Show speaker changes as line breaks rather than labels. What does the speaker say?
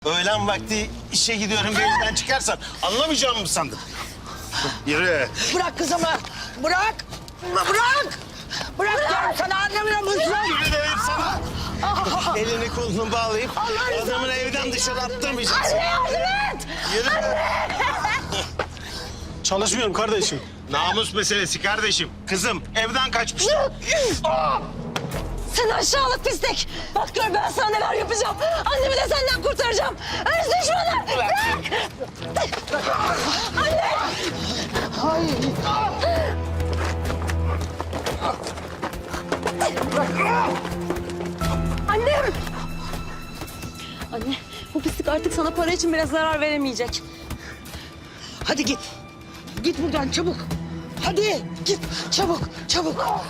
Öğlen vakti işe gidiyorum bir evden çıkarsan anlamayacağımı mı sandın? Yürü.
Bırak kızımı. Bırak. Bırak. Bırak diyorum sana, anlamıyor musun?
Yürü dedim sana. Elini kolunu bağlayıp adamın evden dışarı attırmayacaksın.
Anne yardım et.
Yürü.
Çalışmıyorum kardeşim.
Namus meselesi kardeşim. Kızım evden kaçmış.
Sen aşağılık pislik. Bak gör ben sana neler yapacağım. Annemi de senden kurtaracağım. Öz düşmanı. Bırak. Anne. Annem. Anne bu pislik artık sana para için bile zarar veremeyecek.
Hadi git. Git buradan çabuk. Hadi git çabuk çabuk.